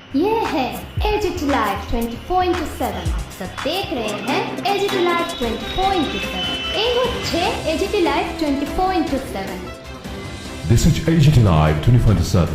ये है AGT live 24/7 सब देख रहे हैं एजीटी लाइव 24/7 এই হচ্ছে AGT live 24/7 This is AGT Live 24/7.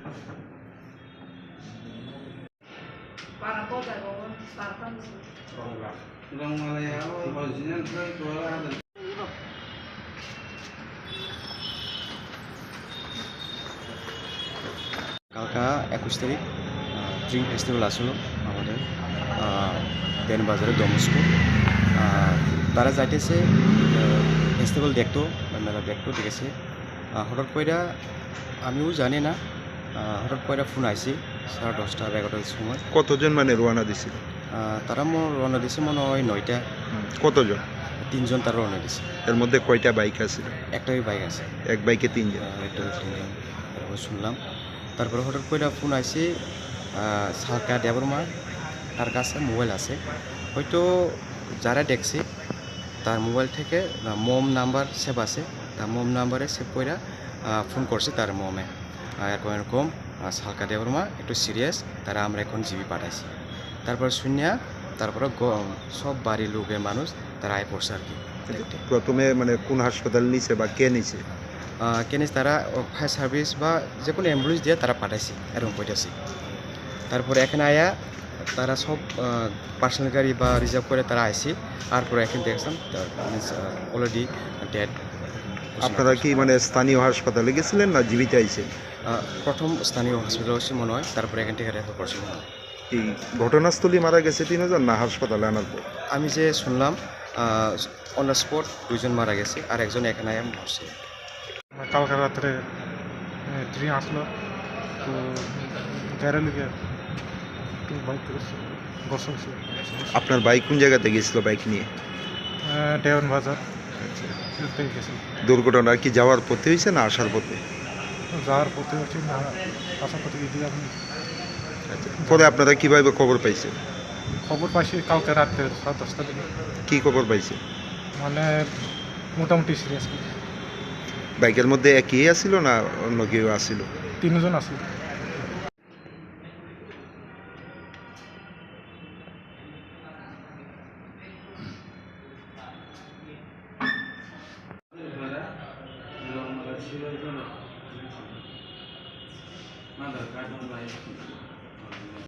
কালকা 21 তারিখ ড্রিম ফেস্টিভ্যাল আসলো আমাদের দেন বাজারে ডমস্কো তারা যাইতেছে ফেস্টিভ্যাল দেখতো বা মেলা দেখতো ঠিক আছে হঠাৎ কইরা আমিও জানি না হঠাৎ কইরা ফোন আইসি 10:30 বা 11টার সময়। কতজন মানে রওনা দিছিল? তারা মোর রওনা দিছে মনে হয় 9টা। কতজন? 3জন তারা রওনা দিছে। এর মধ্যে কয়টা বাইক আছে? একটাই বাইক আছে। এক বাইকে 3জন? একটা 3জন তারপর শুনলাম। তারপরে হঠাৎ কইরা ফোন আইসি সালকা দেবরমা তার কাছে মোবাইল আছে, হয়তো যারা দেখছে তার মোবাইল থেকে মম নাম্বার সেভ আছে, তার মম নাম্বারে সেভ কইরা ফোন করছে তার মমে এরকম এরকম সালকা দেবরমা একটু সিরিয়াস, তারা আমরা এখন জিবি পাঠাইছি। তারপর শুনিয়া তারপরে সব বাড়ির লোকের মানুষ তারা আয় পড়ছে আর কি। প্রথমে মানে কোন হাসপাতাল নিছে বা কে নিছে? কেনিস তারা ফায়ার সার্ভিস বা যে কোনো অ্যাম্বুলেন্স দিয়ে তারা পাঠাইছে এরকম কইতাছি। তারপরে এখানে আয়া তারা সব পার্সোনাল গাড়ি বা রিজার্ভ করে তারা আইসি, তারপরে এখানে দেখছেন অলরেডি ডেড। আপনারা কি মানে স্থানীয় হাসপাতালে গেছিলেন না জীবিত আইছেন? প্রথম স্থানীয় হসপিটাল হচ্ছে মনে হয়, তারপরে এখান থেকে রেফার করছে মনে হয়। এই ঘটনাস্থলে মারা গেছে 3জন না হাসপাতালে আনার পর? আমি যে শুনলাম অন দ্য স্পট 2জন মারা গেছে আর একজন এখানে আয়া মরছে। কালকে রাত্রে ট্রেন আসলো, তো গাড়ি লিগে বাইক বসে আপনার বাইক কোন জায়গাতে গেছিল বাইক নিয়ে? ডেওয়ান বাজার গেছিল। দুর্ঘটনা কি যাওয়ার পথে হয়েছে না আসার পথে? যাওয়ার পথে হচ্ছে না আসার পথে গিয়ে আমি পরে আপনারা কিভাবে খবর পাইছেন? খবর পাইছি কালকে রাত্রে 10:30 দিকে। কি খবর পাইছেন? মানে মোটামুটি সিরিয়াস। বাইকের মধ্যে একই আসছিল না অন্য কেউ আসছিল? 3জন আসলো।